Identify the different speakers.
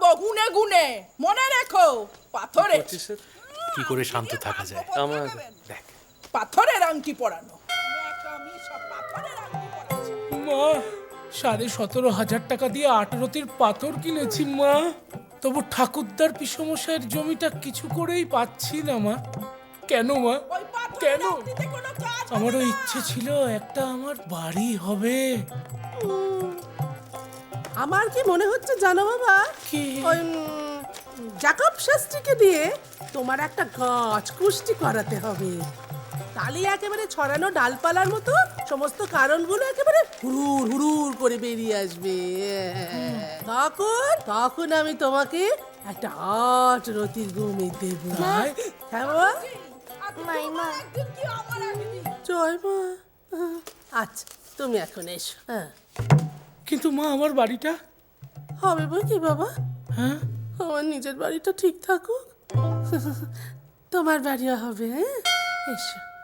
Speaker 1: গুনে গুনে মনে রেখো পাথরে
Speaker 2: কি করে শান্ত থাকা যায়?
Speaker 3: আমার
Speaker 2: দেখ,
Speaker 1: পাথরের আংটি পরানো আমি সব পাথরের আংটি পরাচ্ছি।
Speaker 4: মা 17,500 টাকা দিয়ে 18টির পাথর কিনেছি মা, তবু ঠাকুরদার পিসমশাইয়ের জমিটা কিছু করেই পাচ্ছি না মা। কেন মা,
Speaker 1: ওই পাথরের
Speaker 4: কেন?
Speaker 1: আংটিতে কোনো কাজ হবে
Speaker 4: আমারও
Speaker 1: না।
Speaker 4: ইচ্ছে ছিল একটা আমার বাড়ি হবে।
Speaker 5: আমার কি মনে হচ্ছে জানো বাবা,
Speaker 4: কি?
Speaker 5: ওই জাকব শাস্ত্রীকে দিয়ে তোমার একটা গাছ কুষ্টি করাতে হবে। তাহলে একেবারে ছড়ানো ডালপালার মতো সমস্ত কারণগুলো একেবারে হুড়ুর হুড়ুর করে বেরিয়ে আসবে। তখন তখন আমি তোমাকে একটা 8 রতির ঘুমে দেব। হ্যাঁ বাবা?
Speaker 1: তোমার একদিন কি আমার একদিন।
Speaker 5: জয় মা। আচ্ছা তুমি এখন এসো। হ্যাঁ
Speaker 4: কিন্তু মা আমার বাড়িটা?
Speaker 5: হবে বই কি বাবা,
Speaker 4: হ্যাঁ,
Speaker 5: আমার নিজের বাড়িটা ঠিক থাকুক, তোমার বাড়িও হবে। হ্যাঁ এসো।